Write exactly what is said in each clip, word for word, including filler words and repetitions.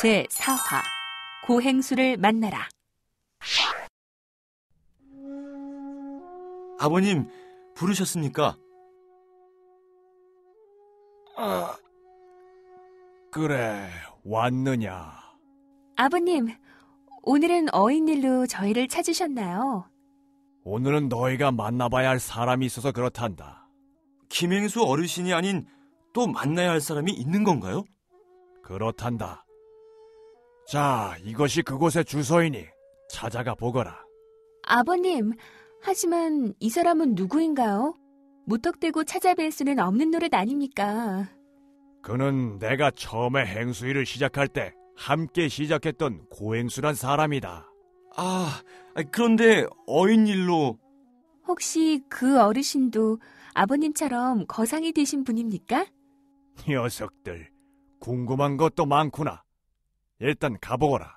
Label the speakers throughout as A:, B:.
A: 제사 화 고행수를 만나라.
B: 아버님, 부르셨습니까?
C: 아, 그래, 왔느냐?
A: 아버님, 오늘은 어인일로 저희를 찾으셨나요?
C: 오늘은 너희가 만나봐야 할 사람이 있어서 그렇단다.
B: 김행수 어르신이 아닌 또 만나야 할 사람이 있는 건가요?
C: 그렇단다. 자, 이것이 그곳의 주소이니 찾아가 보거라.
A: 아버님, 하지만 이 사람은 누구인가요? 무턱대고 찾아뵐 수는 없는 노릇 아닙니까?
C: 그는 내가 처음에 행수일을 시작할 때 함께 시작했던 고행수란 사람이다.
B: 아, 그런데 어인일로...
A: 혹시 그 어르신도 아버님처럼 거상이 되신 분입니까?
C: 녀석들, 궁금한 것도 많구나. 일단 가보거라.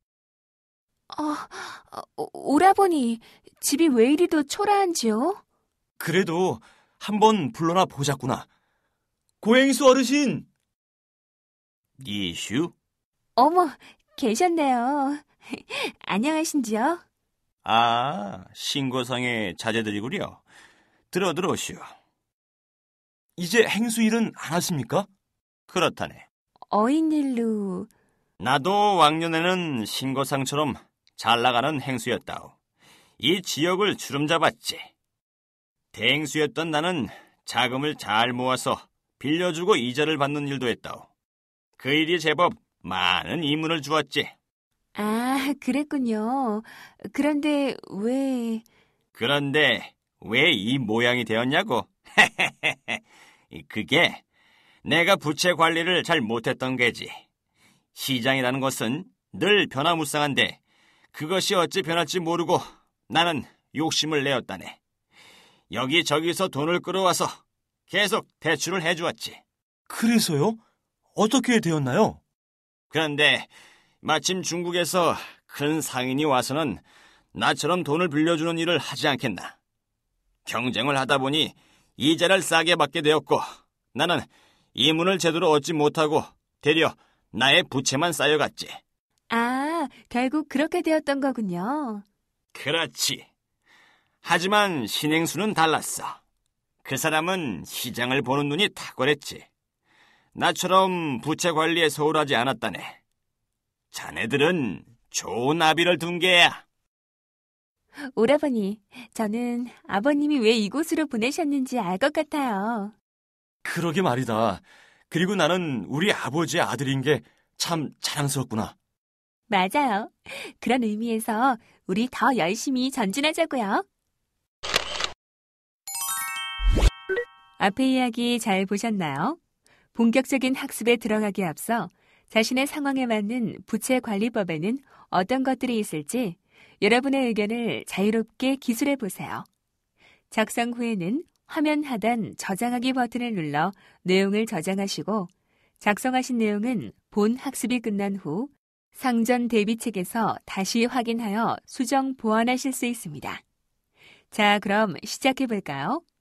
A: 어, 어, 오라버니, 집이 왜 이리도 초라한지요?
B: 그래도 한번 불러나 보자꾸나. 고행수 어르신! 이슈?
A: 어머, 계셨네요. 안녕하신지요?
D: 아, 신고상의 자제들이구려. 들어 들어오시오.
B: 이제 행수일은 안 하십니까?
D: 그렇다네.
A: 어인일로...
D: 나도 왕년에는 신고상처럼 잘 나가는 행수였다오. 이 지역을 주름잡았지. 대행수였던 나는 자금을 잘 모아서 빌려주고 이자를 받는 일도 했다오. 그 일이 제법 많은 이문을 주었지.
A: 아, 그랬군요. 그런데 왜...
D: 그런데 왜 이 모양이 되었냐고? 그게 내가 부채 관리를 잘 못했던 게지. 시장이라는 것은 늘 변화무쌍한데 그것이 어찌 변할지 모르고 나는 욕심을 내었다네. 여기저기서 돈을 끌어와서 계속 대출을 해주었지.
B: 그래서요? 어떻게 되었나요?
D: 그런데 마침 중국에서 큰 상인이 와서는 나처럼 돈을 빌려주는 일을 하지 않겠나. 경쟁을 하다 보니 이자를 싸게 받게 되었고 나는 이문을 제대로 얻지 못하고 되려 나의 부채만 쌓여갔지.
A: 아, 결국 그렇게 되었던 거군요.
D: 그렇지. 하지만 신행수는 달랐어. 그 사람은 시장을 보는 눈이 탁월했지. 나처럼 부채 관리에 소홀하지 않았다네. 자네들은 좋은 아비를 둔 게야.
A: 오라버니, 저는 아버님이 왜 이곳으로 보내셨는지 알 것 같아요.
B: 그러게 말이다. 그리고 나는 우리 아버지의 아들인 게 참 자랑스럽구나.
A: 맞아요. 그런 의미에서 우리 더 열심히 전진하자고요. 앞의 이야기 잘 보셨나요? 본격적인 학습에 들어가기에 앞서 자신의 상황에 맞는 부채 관리법에는 어떤 것들이 있을지 여러분의 의견을 자유롭게 기술해 보세요. 작성 후에는 화면 하단 저장하기 버튼을 눌러 내용을 저장하시고 작성하신 내용은 본 학습이 끝난 후 상전 대비책에서 다시 확인하여 수정 보완하실 수 있습니다. 자, 그럼 시작해 볼까요?